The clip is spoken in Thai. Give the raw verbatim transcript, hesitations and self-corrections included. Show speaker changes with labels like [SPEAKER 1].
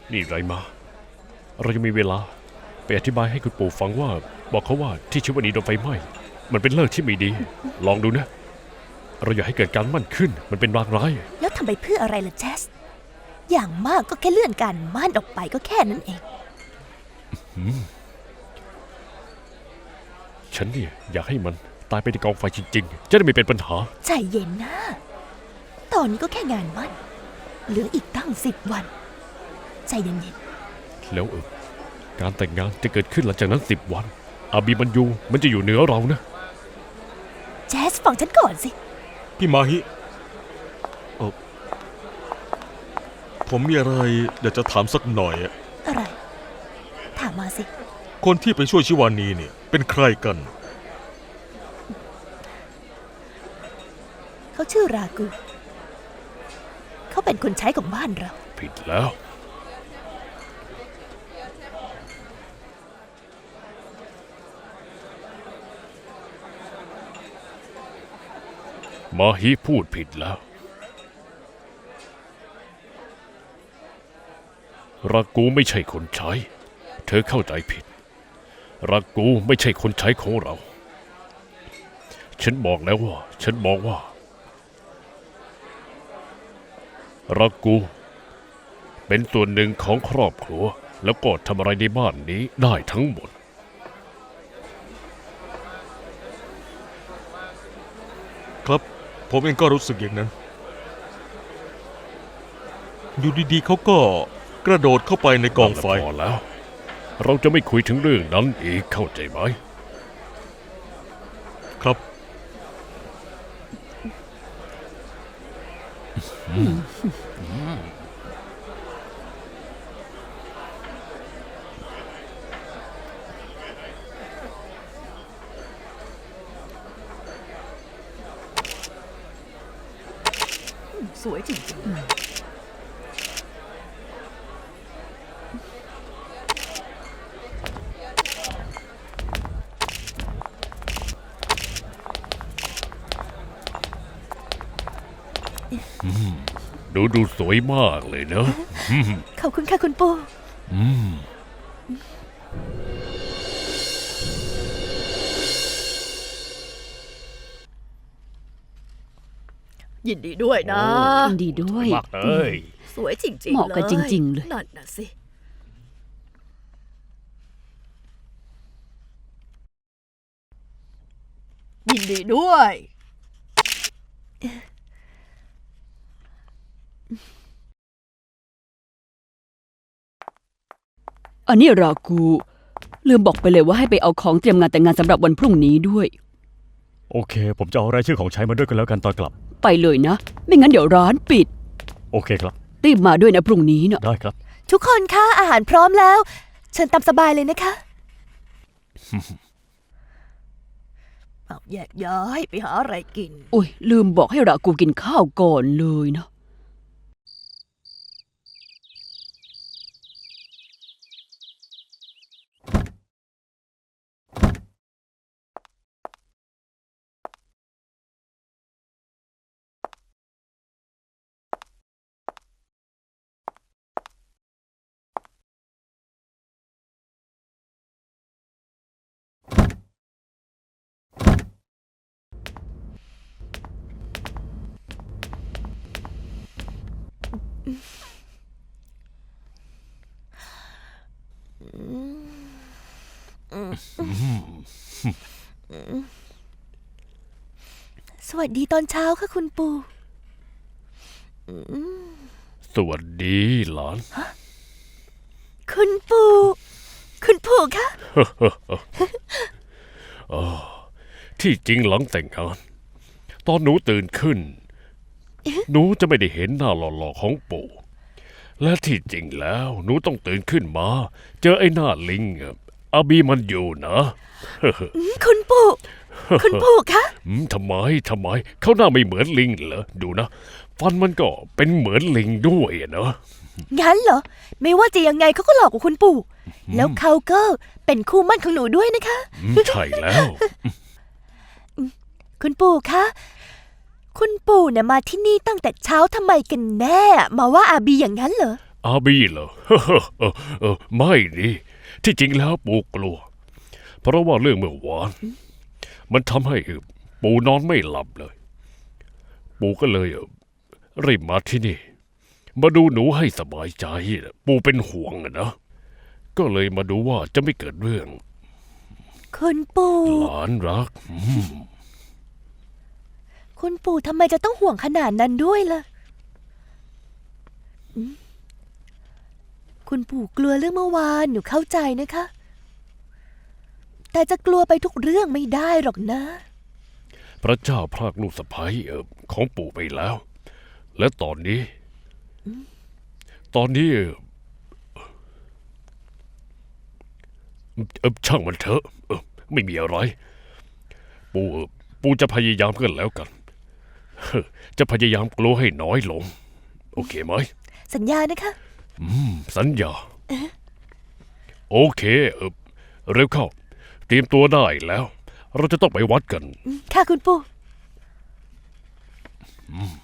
[SPEAKER 1] นี่ไรมาเรายังมีเวลาไปอธิบายให้คุณปู่ฟังว่าบอกเขาว่าที่ชิวานีโดนไฟไหม้มันเป็นเลิกที่ไม่ดีลองดูนะเราอยากให้เกิดการมั่นขึ้นมันเป็นรางร้าย
[SPEAKER 2] แล้วทำไปเพื่ออะไรล่ะเจสอย่างมากก็แค่เลื่อนการมั่นออกไปก็แค่นั้นเอง
[SPEAKER 1] ฉันเนี่ยอยากให้มันตายไปในกองไฟจริงๆจะได้ไม่เป็นปัญหา
[SPEAKER 2] ใจเย็นนะตอนนี้ก็แค่งานมั่นเหลืออีกตั้งสิบวันใจเย็น
[SPEAKER 1] ๆแล้วเออการแต่งงานจะเกิดขึ้นหลังจากนั้นสิบวันอาบีมันยูมันจะอยู่เหนือเรานะ
[SPEAKER 2] เจสฟังฉันก่อนสิ
[SPEAKER 3] พี่มาฮิเออผมมีอะไรอยากจะถามสักหน่อยอะ
[SPEAKER 2] อะไรถามมาสิ
[SPEAKER 3] คนที่ไปช่วยชิวานีเนี่ยเป็นใครกัน
[SPEAKER 2] เขาชื่อรากูเขาเป็นคนใช้ของบ้านเรา
[SPEAKER 1] ผิดแล้วมาฮิพูดผิดแล้วรากูไม่ใช่คนใช้เธอเข้าใจผิดรากูไม่ใช่คนใช้ของเราฉันบอกแล้วว่าฉันบอกว่ารากูเป็นส่วนหนึ่งของครอบครัวแล้วก็ทำอะไรในบ้านนี้ได้ทั้งหมด
[SPEAKER 3] ครับผมเองก็รู้สึกอย่างนั้นอยู่ดีๆเขาก็กระโดดเข้าไปในกองไฟ
[SPEAKER 1] พอแล้วเราจะไม่คุยถึงเรื่องนั้นอีกเข้าใจไหม
[SPEAKER 3] ครับ
[SPEAKER 2] สวยจริงๆ
[SPEAKER 1] ดูดูสวยมากเลยเนอะ
[SPEAKER 2] ขอบคุณค่ะคุณปู่ยินดีด้วยนะ
[SPEAKER 4] ยินดีด้วย
[SPEAKER 1] มากเลย
[SPEAKER 2] สวยจริงๆ
[SPEAKER 4] เหมาะกันจริงๆเลย
[SPEAKER 2] นั่นน่ะสิยินดีด้วย
[SPEAKER 4] อันนี้รากูลืมบอกไปเลยว่าให้ไปเอาของเตรียมงานแต่งงานสำหรับวันพรุ่งนี้ด้วย
[SPEAKER 5] โอเคผมจะเอารายชื่อของใช้มาด้วยกันแล้วกันตอนกลับ
[SPEAKER 4] ไปเลยนะไม่งั้นเดี๋ยวร้านปิด
[SPEAKER 5] โอเคครับ
[SPEAKER 4] รีบมาด้วยนะพรุ่งนี้เนอะ
[SPEAKER 5] ได้ครับ
[SPEAKER 2] ทุกคนคะอาหารพร้อมแล้วเชิญตามสบายเลยนะคะเอาแยกย้ายไปหาอะไรกิน
[SPEAKER 4] โอ้ยลืมบอกให้รากูกินข้าวก่อนเลยนะ
[SPEAKER 2] สวัสดีตอนเช้าค่ะคุณปู่
[SPEAKER 1] สวัสดีหลาน
[SPEAKER 2] คุณปู่คุณปู่คะ
[SPEAKER 1] ที่จริงหลังแต่งงานตอนหนูตื่นขึ้นหนูจะไม่ได้เห็นหน้าหล่อๆของปู่และที่จริงแล้วหนูต้องตื่นขึ้นมาเจอไอ้หน้าลิงอาบีมันอยู่นะ
[SPEAKER 2] คุณปู่คุณปู่คะ
[SPEAKER 1] ทำไมทำไมเขาหน้าไม่เหมือนลิงเหรอดูนะฟันมันก็เป็นเหมือนลิงด้วยเนอะ
[SPEAKER 2] งั้นเหรอไม่ว่าจะยังไงเขาก็หลอกกว่าคุณปู่แล้วเขาก็เป็นคู่มั่นของหนูด้วยนะคะ
[SPEAKER 1] ใช่แล้ว
[SPEAKER 2] คุณปู่คะคุณปู่เนี่ยมาที่นี่ตั้งแต่เช้าทำไมกันแน่มาว่าอาบีอย่างนั้นเหรอ
[SPEAKER 1] อาบีเหรอ เออเออไม่ดิที่จริงแล้วปู่กลัว เพราะว่าเรื่องเมื่อวาน มันทำให้เออปู่นอนไม่หลับเลย ปู่ก็เลยเออรีบมาที่นี่ มาดูหนูให้สบายใจนะปู่เป็นห่วงอะนะ ก็เลยมาดูว่าจะไม่เกิดเรื่อง
[SPEAKER 2] คุณปู่
[SPEAKER 1] หลานรักอืม
[SPEAKER 2] คุณปู่ทำไมจะต้องห่วงขนาดนั้นด้วยล่ะอืมคุณปู่กลัวเรื่องเมื่อวานหนูเข้าใจนะคะ แต่จะกลัวไปทุกเรื่องไม่ได้หรอกนะ
[SPEAKER 1] พระเจ้าพรากลูกสะใภ้เออของปู่ไปแล้ว และตอนนี้ ตอนนี้เออเออช่างมันเถอะเออไม่มีอะไร ปู่เออปู่จะพยายามกันแล้วกันเฮ้อจะพยายามกลัวให้น้อยลง โอเคไหม
[SPEAKER 2] สัญญานะคะ
[SPEAKER 1] อืม สัญญา โอเคเออเร็วเข้า เตรียมตัวได้แล้ว เราจะต้องไปวัดกัน
[SPEAKER 2] อืมค่ะคุณปู่
[SPEAKER 1] อืม